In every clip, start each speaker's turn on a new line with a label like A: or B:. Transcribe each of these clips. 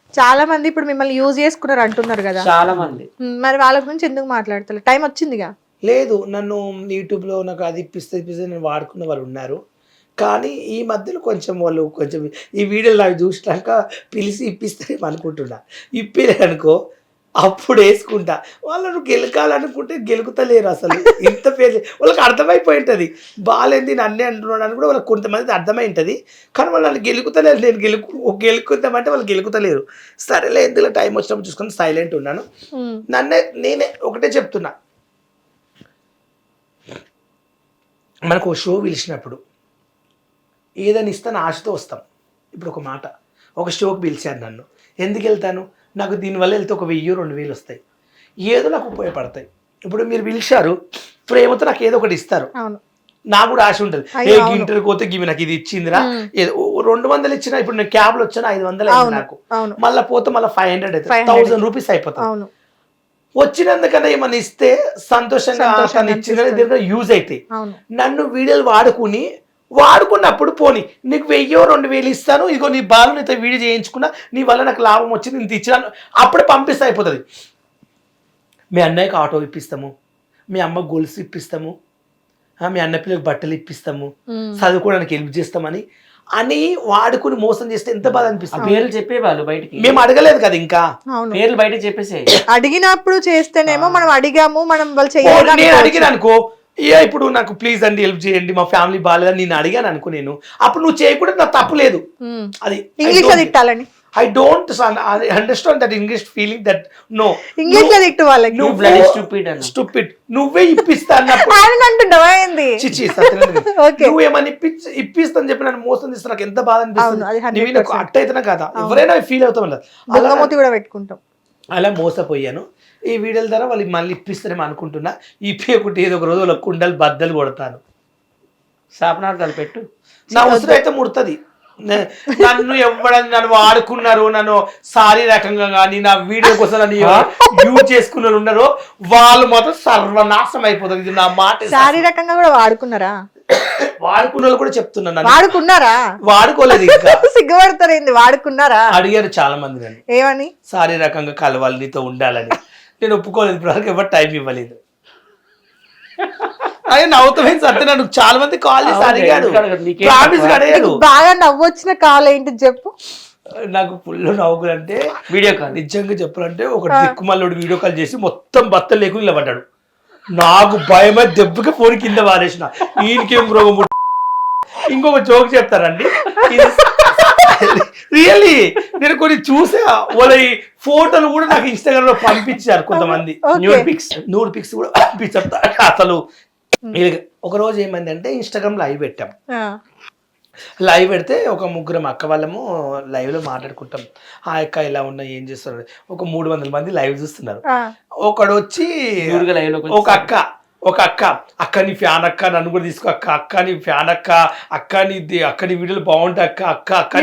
A: చాలా మంది ఇప్పుడు మిమ్మల్ని యూజ్ చేసుకున్నారు అంటున్నారు కదా,
B: చాలా మంది.
A: మరి వాళ్ళ గురించి ఎందుకు మాట్లాడతారు? టైం వచ్చిందిగా.
C: లేదు, నన్ను యూట్యూబ్లో నాకు అది ఇప్పిస్తే నేను వాడుకున్న వాళ్ళు ఉన్నారు. కానీ ఈ మధ్యలో కొంచెం వాళ్ళు కొంచెం ఈ వీడియోలు అవి చూసినాక పిలిచి ఇప్పిస్తారేమో అనుకుంటున్నా. ఇప్పిలేదనుకో అప్పుడు వేసుకుంటా. వాళ్ళను గెలకాలనుకుంటే గెలుకుతలేరు అసలు. ఇంత పేరు వాళ్ళకి అర్థమైపోయి ఉంటుంది. బాగాలేంది నన్నే అంటున్నాడు అని కూడా వాళ్ళకి కొంతమంది అర్థమై ఉంటుంది. కానీ వాళ్ళు నన్ను గెలుకుతలేరు. నేను గెలుకుతామంటే వాళ్ళు గెలుకుతలేరు. సరేలే, ఎందులో టైం వచ్చినప్పుడు చూసుకొని సైలెంట్ ఉన్నాను. నేనే ఒకటే చెప్తున్నా, మనకు షో పిలిచినప్పుడు ఏదైనా ఇస్తాను ఆశతో వస్తాం. ఇప్పుడు ఒక మాట, ఒక షోకి పిలిచాను నన్ను, ఎందుకు వెళ్తాను? నాకు దీనివల్ల వెళ్తే ఒక 1000-2000 వస్తాయి, ఏదో నాకు ఉపయోగపడతాయి. ఇప్పుడు మీరు పిలిచారు, ప్రేమతో నాకు ఏదో ఒకటి ఇస్తారు, నాకు కూడా ఆశ ఉంటుంది. ఏ ఇంటర్కి పోతే గివి నాకు ఇది ఇచ్చిందిరా, 200 ఇచ్చినా, ఇప్పుడు నేను క్యాబ్లో వచ్చాను 500 అయింది నాకు, మళ్ళీ పోతే మళ్ళీ 500 అవుతుంది, 1000 రూపీస్ అయిపోతుంది. వచ్చినందుకన్నా ఏమన్నా ఇస్తే సంతోషంగా ఇచ్చిన యూజ్ అవుతాయి. నన్ను వీడియోలు వాడుకున్నప్పుడు పోనీ నీకు 1000-2000 ఇస్తాను, ఇగో నీ బాలు నీతో వీడియో చేయించుకున్నా, నీ వల్ల నాకు లాభం వచ్చింది, ఇంత ఇచ్చినాను, అప్పుడే పంపిస్తే అయిపోతుంది. మీ అన్నయ్యకి ఆటో ఇప్పిస్తాము, మీ అమ్మకు గొలుసు ఇప్పిస్తాము, మీ అన్న పిల్లలకు బట్టలు ఇప్పిస్తాము, చదువుకోవడానికి హెల్ప్ చేస్తామని అని వాడుకుని మోసం చేస్తే ఎంత బాధ అనిపిస్తుంది.
B: పేర్లు చెప్పేవాళ్ళు బయటికి,
C: మేము అడగలేదు కదా, ఇంకా
B: పేర్లు బయట చెప్పేసి
A: అడిగినప్పుడు చేస్తేనేమో మనం అడిగాము, మనం వాళ్ళు
C: నేను అడిగిన అనుకో, ఇప్పుడు నాకు ప్లీజ్ అండి హెల్ప్ చేయండి, మా ఫ్యామిలీ బాగాలేదని నేను అడిగాను అనుకో, నేను అప్పుడు నువ్వు చేయకుండా నాకు తప్పు లేదు. అది
A: ఇంగ్లీష్ లో తిట్టాలని
C: I don't understand that English feeling that no.
A: English లో తిట్టు వాళ్ళకి.
C: Stupid. నువ్వే ఇప్పిస్తా అన్నప్పుడు
A: అంటుండవా ఏంది?
C: నువ్వేమని ఇప్పిస్తాను చెప్పి నన్ను మోసం చేస్తా, నాకు ఎంత బాధ అనిపిస్తుంది. అట్ట అయితేనే కదా ఎవరైనా ఫీల్ అవుతాం కదా,
A: బంగమూతి కూడా పెట్టుకుంటాం.
C: అలా మోసపోయాను. ఈ వీడియోల ద్వారా వాళ్ళు మళ్ళీ ఇప్పిస్తారేమో అనుకుంటున్నా. ఇప్పేకుంటే ఏదో ఒక రోజు వాళ్ళ కుండలు బద్దలు కొడతాను.
B: శాపనార్థాలు పెట్టు,
C: నా ఉసురు అయితే ముడుతుంది. నన్ను ఎవడని నన్ను వాడుకున్నారు, నన్ను శారీరకంగా కానీ నా వీడియో కోసం నన్ను యూజ్ చేసుకున్న ఉన్నారో వాళ్ళు మాత్రం సర్వనాశనం అయిపోతుంది. ఇది నా మాట.
A: శారీరకంగా కూడా వాడుకున్నారా?
C: వాడుకున్న వాళ్ళు కూడా చెప్తున్నాను.
A: వాడుకున్నారా?
C: వాడుకోలేదు, ఇంకా
A: సిగ్గుపడతారేంది. వాడుకున్నారా?
C: అడిగారు చాలా మంది నన్ను, ఏమని? శారీరకంగా కలవాలి, నీతో ఉండాలని. నేను ఒప్పుకోలేదు, ఇప్పుడు ఎవరు టైం ఇవ్వలేదు. నవ్వుతామేంటి అంటే నన్ను చాలా మంది కాల్ చేసి అడిగాడు,
A: బాగా నవ్వొచ్చిన కాల్ ఏంటి చెప్పు.
C: నాకు ఫుల్ నవ్వుకులు అంటే వీడియో కాల్, నిజంగా చెప్పాలంటే ఒక దిక్కుమల్లుడు వీడియో కాల్ చేసి మొత్తం బత్తలు లేకుండా నిలబడ్డాడు. నాకు భయమై దెబ్బకి ఫోన్ కింద వారేసిన. ఈయనకేం రోగం. ఇంకొక జోక్ చెప్తారండి, రియల్లీ నేను కొన్ని చూసా. వాళ్ళ ఫోటోలు కూడా నాకు ఇన్స్టాగ్రామ్ లో పంపించారు కొంతమంది, న్యూడ్ పిక్స్ కూడా పంపించారు. అసలు ఒక రోజు ఏమైందంటే ఇన్స్టాగ్రామ్ లైవ్ పెట్టాం. లైవ్ పెడితే ఒక ముగ్గురం అక్క వాళ్ళము లైవ్ లో మాట్లాడుకుంటాం. ఆ అక్క ఇలా ఉన్నా, ఏం చేస్తున్నారు, ఒక 300 మంది లైవ్ చూస్తున్నారు. ఒకడు వచ్చి ఒక అక్క నీ ఫ్యాన్ అక్క, నన్ను కూడా తీసుకో అక్క నీ ఫ్యాన్ అక్క నీ వీడియోలు బాగుంటాయి అక్క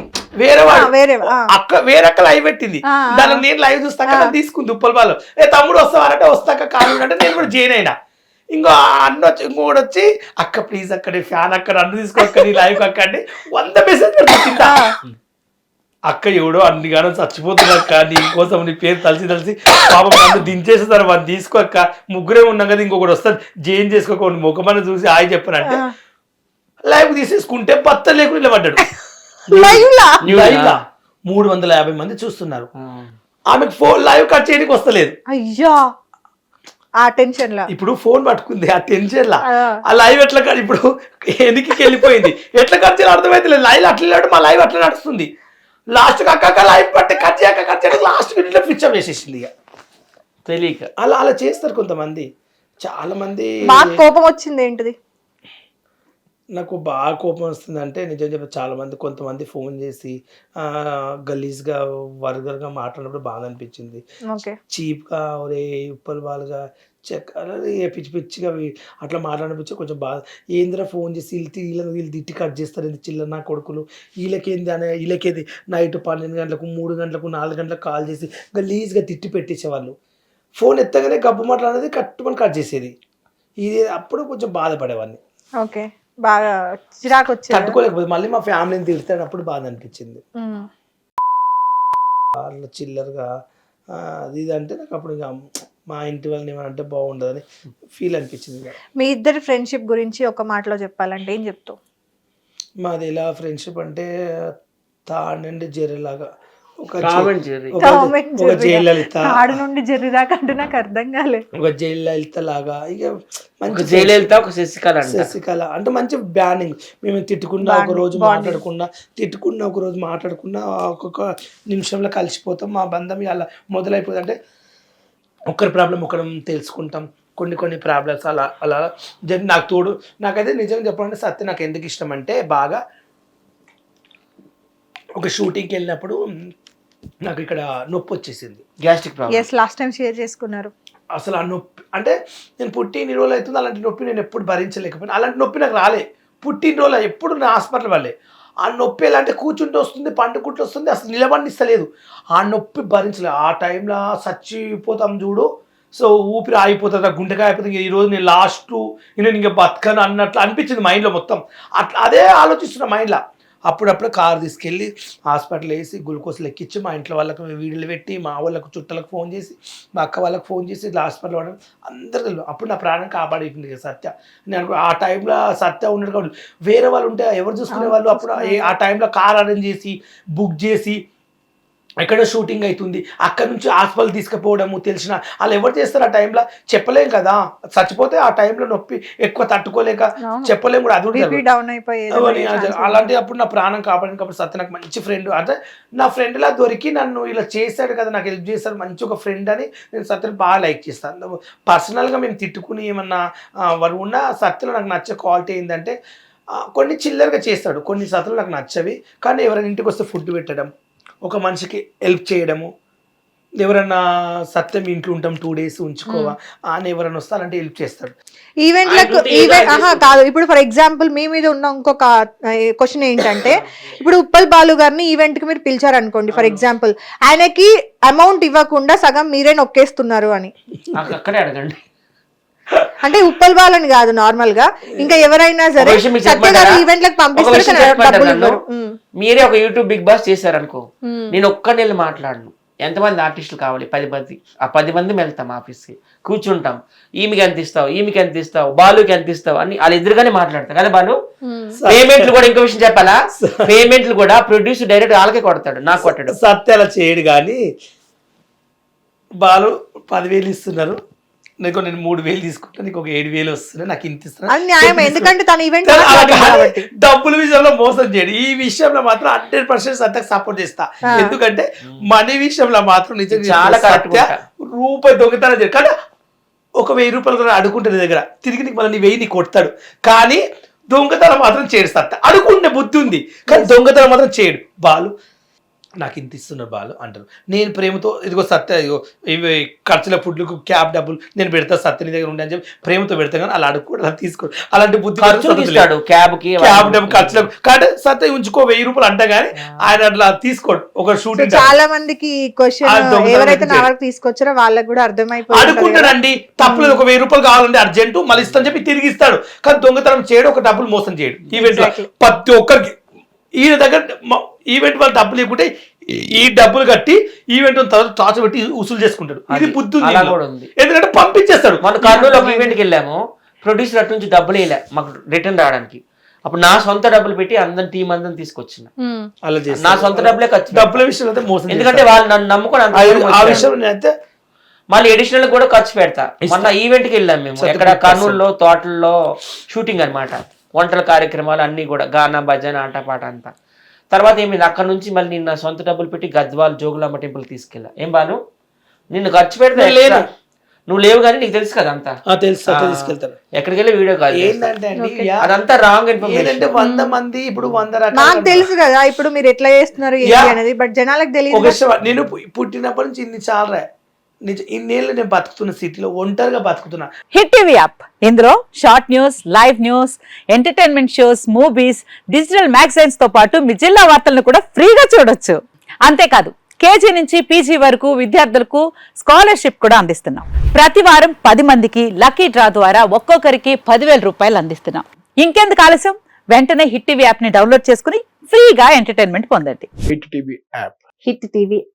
C: వేరే అక్క లైవ్ పెట్టింది. దానికి నేను లైవ్ చూస్తాక తీసుకుంది ఉప్పల్ వాళ్ళు. తమ్ముడు వస్తావారంటే వస్తాక కాదు అంటే నేను కూడా జాయిన్ అయినా. ఇంకోటి వచ్చి అక్క ప్లీజ్ అక్క నీ ఫ్యాన్ అక్క, నన్ను తీసుకో అక్క, నీ లైవ్ అక్క అంటే 100 మెసేజ్ పెడుతుందా. అక్క ఎవడో అన్నిగానో చచ్చిపోతున్నా నీ కోసం, నీ పేరు తలిసి పాపం నన్ను దించేసేసారు, వాళ్ళు తీసుకోక్క, ముగ్గురే ఉన్నాం కదా, ఇంకొకటి వస్తారు జైన్ చేసుకోకుండా ముఖమని చూసి హాయ్ చెప్పనంటే లైవ్ తీసేసుకుంటే బత్త లేకుండా నిలబడ్డాడు. లైవ్ లా 350 మంది చూస్తున్నారు. ఆమెకు లైవ్ కట్ చేయడానికి వస్తలేదు.
A: అయ్యా ఆ టెన్షన్ లా
C: ఇప్పుడు ఫోన్ పట్టుకుంది, ఆ టెన్షన్ లా ఆ లైవ్ ఎట్లా ఇప్పుడు ఎనికి వెళ్ళిపోయింది, ఎట్లా కట్ చేయాలి అర్థమైతే లేదు. లైవ్ అట్లా మా లైవ్ అట్లా నడుస్తుంది. లాస్ట్ అక్క లైవ్ పట్టి కట్ చేయక లాస్ట్ మినిట్లో పిచ్చం వేసేసింది. ఇక తెలియక అలా చేస్తారు కొంతమంది. చాలా మంది.
A: బాగా కోపం వచ్చింది ఏంటిది?
C: నాకు బాగా కోపం వస్తుంది అంటే నిజం చెప్పి చాలా మంది కొంతమంది ఫోన్ చేసి గలీజ్గా వర్గర్గా మాట్లాడినప్పుడు బాగా అనిపించింది. చీప్గా ఒరే ఉప్పల్ వాళ్ళుగా పిచ్చి పిచ్చిగా అట్లా మాట్లాడిపించి కొంచెం బాగా. ఏందిరా ఫోన్ చేసి వీళ్ళు తిట్టి కట్ చేస్తారు, ఏంది చిల్లర నా కొడుకులు, వీళ్ళకేది నైట్ 12 గంటలకు 3 గంటలకు 4 గంటలకు కాల్ చేసి గలీజ్గా తిట్టి పెట్టేసేవాళ్ళు. ఫోన్ ఎత్తగానే గబ్బు మాట్లాడేది కట్టుమని కట్ చేసేది. ఇది అప్పుడు కొంచెం బాధపడేవాడిని.
A: ఓకే, బాగా చిరాకు వచ్చి
C: తట్టుకోలేకపోతే మళ్ళీ మా ఫ్యామిలీని తిడతానప్పుడు బాధ అనిపించింది. వాళ్ళ చిల్లరగా అది ఇది అంటే నాకు అప్పుడు ఇంకా మా ఇంటి వాళ్ళని ఏమంటే బాగుండదని ఫీల్ అనిపించింది ఇక.
A: మీ ఇద్దరి ఫ్రెండ్షిప్ గురించి ఒక మాటలో చెప్పాలంటే ఏం చెప్తావు?
C: మాది ఎలా ఫ్రెండ్షిప్ అంటే తాడండి జెర్రీలాగా ఒక
B: Tom and Jerry.
C: ఒక జయలలిత
A: ఆడు నుండి జర్రి దాకా అంటే నాకు అర్థం కాలేదు.
C: ఒక జయలలిత లాగా ఇక
B: ఒక
C: మంచి
B: జయలలిత ఒక శశికళ అంట.
C: శశికళ అంటే మంచి బ్యానింగ్. మేము తిట్టుకున్నా ఒక రోజు మాట్లాడకుండా ఒక్కొక్క నిమిషంలో కలిసిపోతాం. మా బంధం అలా మొదలైపోతుంది. అంటే ఒక్కరి ప్రాబ్లం ఒకరం తెలుసుకుంటాం. కొన్ని ప్రాబ్లమ్స్ అలా అలా నాకు తోడు. నాకైతే నిజంగా చెప్పాలంటే సత్య నాకు ఎందుకు ఇష్టం అంటే బాగా ఒక షూటింగ్కి వెళ్ళినప్పుడు నాకు ఇక్కడ నొప్పి వచ్చేసింది,
B: gastric problem.
A: Yes, last time share చేసుకున్నారు.
C: అసలు ఆ నొప్పి అంటే నేను పుట్టిన రోజులు అవుతుంది అలాంటి నొప్పి నేను ఎప్పుడు భరించలేకపోయినా. అలాంటి నొప్పి నాకు రాలే పుట్టినరోజు, ఎప్పుడు నా హాస్పిటల్ వాళ్ళే. ఆ నొప్పి ఎలా అంటే కూర్చుంటూ వస్తుంది, పండుకుంటూ వస్తుంది, అసలు నిలబడిస్తలేదు. ఆ నొప్పి భరించలేదు. ఆ టైంలో చచ్చిపోతాం చూడు. సో ఊపిరి ఆగిపోతుంది, గుండెకాయ అయిపోతుంది. ఈరోజు నేను లాస్ట్ నేను ఇంకా బతకను అన్నట్లు అనిపించింది మైండ్లో మొత్తం. అట్లా అదే ఆలోచిస్తున్నా మైండ్లో. అప్పుడప్పుడు కారు తీసుకెళ్ళి హాస్పిటల్ వేసి గ్లూకోజ్ లెక్కించి మా ఇంట్లో వాళ్ళకి వీడియోలు పెట్టి మా వాళ్ళకు చుట్టాలకు ఫోన్ చేసి మా అక్క వాళ్ళకి ఫోన్ చేసి ఇట్లా హాస్పిటల్ వాడడం అందరూ తెలియదు. అప్పుడు నా ప్రాణం కాపాడేసింది కదా సత్య. నేను ఆ టైంలో సత్య ఉన్నాడు కాబట్టి వేరే వాళ్ళు ఉంటే ఎవరు చూసుకునే వాళ్ళు. అప్పుడు ఆ టైంలో కార్ అరేంజ్ చేసి బుక్ చేసి ఎక్కడో షూటింగ్ అవుతుంది, అక్కడ నుంచి హాస్పిటల్ తీసుకుపోవడము తెలిసిన వాళ్ళు ఎవరు చేస్తారు ఆ టైంలో చెప్పలేం కదా. చచ్చిపోతే ఆ టైంలో నొప్పి ఎక్కువ తట్టుకోలేక చెప్పలేం కూడా. అది
A: డౌన్ అయిపోయేది.
C: అలాంటి అప్పుడు నా ప్రాణం కాపాడింది. కాబట్టి సత్య నాకు మంచి ఫ్రెండ్. అంటే నా ఫ్రెండ్లా దొరికి నన్ను ఇలా చేశాడు కదా, నాకు హెల్ప్ చేశాడు, మంచి ఒక ఫ్రెండ్ అని నేను సత్యని బాగా లైక్ చేస్తాను. పర్సనల్గా మేము తిట్టుకుని ఏమన్నా వాడు ఉన్న సత్యలో నాకు నచ్చే క్వాలిటీ ఏంటంటే కొన్ని చిల్లరగా చేస్తాడు, కొన్ని సత్యలు నాకు నచ్చవి. కానీ ఎవరైనా ఇంటికి వస్తే ఫుడ్ పెట్టడం, ఒక మనిషికి హెల్ప్ చేయడము, ఎవరన్నా సత్యం ఇంట్లో ఉంటాం 2 days ఉంచుకోవా అని ఎవరైనా వస్తే అలాంటి హెల్ప్ చేస్తాడు.
A: ఈవెంట్లకు కాదు. ఇప్పుడు ఫర్ ఎగ్జాంపుల్ మీ మీద ఉన్న ఇంకొక క్వశ్చన్ ఏంటంటే, ఇప్పుడు ఉప్పల్ బాలు గారిని ఈవెంట్ కి మీరు పిలిచారు అనుకోండి, ఫర్ ఎగ్జాంపుల్ ఆయనకి అమౌంట్ ఇవ్వకుండా సగం మీరే నొక్కేస్తున్నారు అని
B: అక్కడే అడగండి.
A: అంటే ఉప్పల్ బాలని కాదు, నార్మల్ గా ఇంకా ఎవరైనా సరే సత్య గారు ఈవెంట్లకు పంపిస్తారు.
B: మీరే ఒక యూట్యూబ్ బిగ్ బాస్ చేశారనుకో, నేను ఒక్క నెల మాట్లాడను. ఎంతమంది ఆర్టిస్టులు కావాలి? 10 మంది. ఆ 10 మంది వెళ్తాం ఆఫీస్కి, కూర్చుంటాం. ఈమెకి ఎంత ఇస్తావు, బాలుకి ఎంత ఇస్తావు అని వాళ్ళు ఎదురుగానే మాట్లాడతాం కదా. బాలు పేమెంట్లు కూడా ఇంకో విషయం చెప్పాలా, పేమెంట్లు కూడా ప్రొడ్యూసర్ డైరెక్ట్ వాళ్ళకే కొడతాడు, నాకు కొట్టాడు.
C: సత్య అలా చేయడు. కానీ బాలు 10,000 ఇస్తున్నారు, నీకు నేను 3,000 తీసుకుంటా, నీకు ఒక 7,000 వస్తున్నాయి, నాకు ఇంత ఇస్తున్నా.
A: ఎందుకంటే తన ఈవెంట్
C: డబ్బుల విషయంలో మోసం చేయడు. ఈ విషయంలో మాత్రం 100% సత్యకు సపోర్ట్ చేస్తా. ఎందుకంటే మనీ విషయంలో మాత్రం నిజంగా
B: చాలా
C: సత్య రూపాయి దొంగతనం చేయడు. కానీ ఒక 1,000 రూపాయలు కూడా అడుగుంటుంది దగ్గర, తిరిగి నీకు మళ్ళీ 1,000 నీకు కొడతాడు. కానీ దొంగతనం మాత్రం చేయడు సత్య. అడుగుండే బుద్ధి ఉంది కానీ దొంగతనం మాత్రం చేయడు. బాలు నాకు ఇంత ఇస్తున్నారు బాలు అంటారు. నేను ప్రేమతో ఇదిగో సత్య ఇదిగో ఇవి ఖర్చుల ఫుడ్లకు క్యాబ్ డబ్బులు నేను పెడతా, సత్య నీ దగ్గర ఉండే అని చెప్పి ప్రేమతో పెడతాను. కానీ అలా అడుగు అలా తీసుకోడు. అలాంటి బుద్ధి క్యాబ్ డబ్బు ఖర్చులకు. కాబట్టి సత్య ఉంచుకో 1,000 రూపాయలు అంట, కానీ ఆయన అట్లా తీసుకోడు. ఒక షూటింగ్
A: చాలా మందికి క్వశ్చన్ ఎవరైతే నా వరకు తీసుకొచ్చారో వాళ్ళకి కూడా అర్థమైపోయింది.
C: అడుగుంటాడండి, తప్పులేదు. ఒక 1,000 రూపాయలు కావాలంటే అర్జెంటు మళ్ళీ ఇస్తాను చెప్పి తిరిగి ఇస్తాడు. కానీ దొంగతనం చేయడు, ఒక డబ్బులు మోసం చేయడు. ఈవెంట్ ప్రతి ఒక్కరికి ఈయన దగ్గర ఈవెంట్ వాళ్ళు డబ్బులు లేకుంటే ఈ డబ్బులు కట్టి ఈవెంట్ తర్వాత టార్చ్ పెట్టి ఉసులు చేసుకుంటాడు. ఇది బుద్ధి ఉంది, ఎందుకంటే పంపించేస్తాడు.
B: మన కర్నూలు ఒక ఈవెంట్కి వెళ్ళాము, ప్రొడ్యూసర్ అటు నుంచి డబ్బులు వేయలే మాకు రిటర్న్ రావడానికి. అప్పుడు నా సొంత డబ్బులు పెట్టి అందరి టీం అందరిని తీసుకొచ్చిన.
C: అలా చేసి
B: నా సొంత డబ్బులే ఖర్చు,
C: డబ్బుల విషయంలో అయితే మోసం.
B: ఎందుకంటే వాళ్ళు నన్ను నమ్ముకొని
C: ఆ విషయం అయితే
B: మళ్ళీ అడిషనల్ కూడా ఖర్చు పెడతా. మొన్న ఈవెంట్కి వెళ్ళాం మేము, ఎక్కడ కర్నూలులో తోటల్లో షూటింగ్ అనమాట. వంటల కార్యక్రమాలు అన్ని కూడా, గానా భజన ఆటపాట అంతా. తర్వాత ఏమైంది, అక్కడ నుంచి మళ్ళీ నిన్న సొంత డబ్బులు పెట్టి గద్వాల్ జోగులాంబ టెంపుల్ తీసుకెళ్ళా. ఏం బాను నిన్ను ఖర్చు పెడితే లేదు, నువ్వు లేవు కానీ నీకు తెలుసు కదా అంతా.
C: తీసుకెళ్తాను
B: ఎక్కడికి వెళ్ళి వీడియో కాల్.
C: ఏంటంటే
B: అదంతా రాంగ్ ఇన్ఫర్మేషన్.
C: 100 మంది ఇప్పుడు 100 రకాలు
A: నాకు తెలుసు కదా ఇప్పుడు మీరు ఎట్లా చేస్తున్నారు అనేది, బట్ జనాలకు తెలియదు.
C: నేను పుట్టినప్పటి నుంచి ఇన్ని చాలా ఇన్నేళ్ళు నేను బతుకుతున్న సిటీలో ఒంటరిగా బతుకుతున్నా.
D: హిట్ టీవీ యాప్, ఇందులో short news, live news, entertainment shows, movies, digital magazines తో పాటు మీ జిల్లా వార్తలను కూడా ఫ్రీగా చూడొచ్చు. అంతేకాదు కేజీ నుంచి పీజీ వరకు విద్యార్థులకు స్కాలర్షిప్ కూడా అందిస్తున్నాం. ప్రతి వారం 10 మందికి లక్కీ డ్రా ద్వారా ఒక్కొక్కరికి 10,000 రూపాయలు అందిస్తున్నాం. ఇంకెందుకు ఆలస్యం, వెంటనే హిట్ టీవీ యాప్ ని డౌన్లోడ్ చేసుకుని ఫ్రీగా ఎంటర్టైన్మెంట్ పొందండి.
C: Hit TV app.
D: Hit TV app.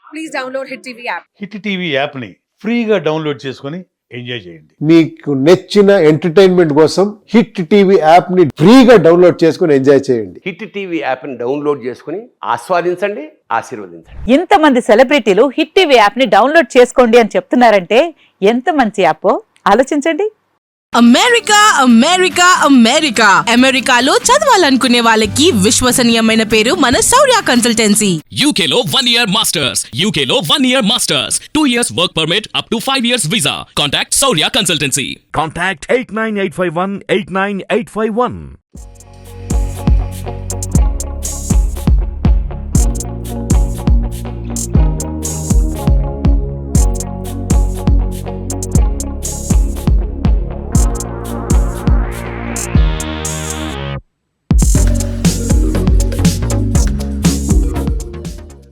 E: please download Hit TV app.
F: Hit TV యాప్ని ఫ్రీగా డౌన్లోడ్ చేసుకొని ఎంజాయ్ చేయండి.
G: మీకు నచ్చిన ఎంటర్టైన్మెంట్ కోసం హిట్ టీవీ యాప్ ని ఫ్రీగా డౌన్లోడ్ చేసుకుని ఎంజాయ్ చేయండి.
H: హిట్ టీవీ యాప్ని డౌన్లోడ్ చేసుకుని ఆస్వాదించండి, ఆశీర్వదించండి.
D: ఇంతమంది సెలబ్రిటీలు హిట్ టీవీ యాప్ ని డౌన్లోడ్ చేసుకోండి అని చెప్తున్నారంటే ఎంత మంచి యాప్ ఆలోచించండి.
I: అమెరికా అమెరికా అమెరికా అమెరికాలో చదవాలనుకునే వాళ్ళకి విశ్వసనీయమైన పేరు మన శౌర్య కన్సల్టెన్సీ.
J: UK లో 1 year masters, UK లో 1 year masters, 2 years work permit up to 5 years visa. Contact Saurya Consultancy.
K: Contact 89851 89851.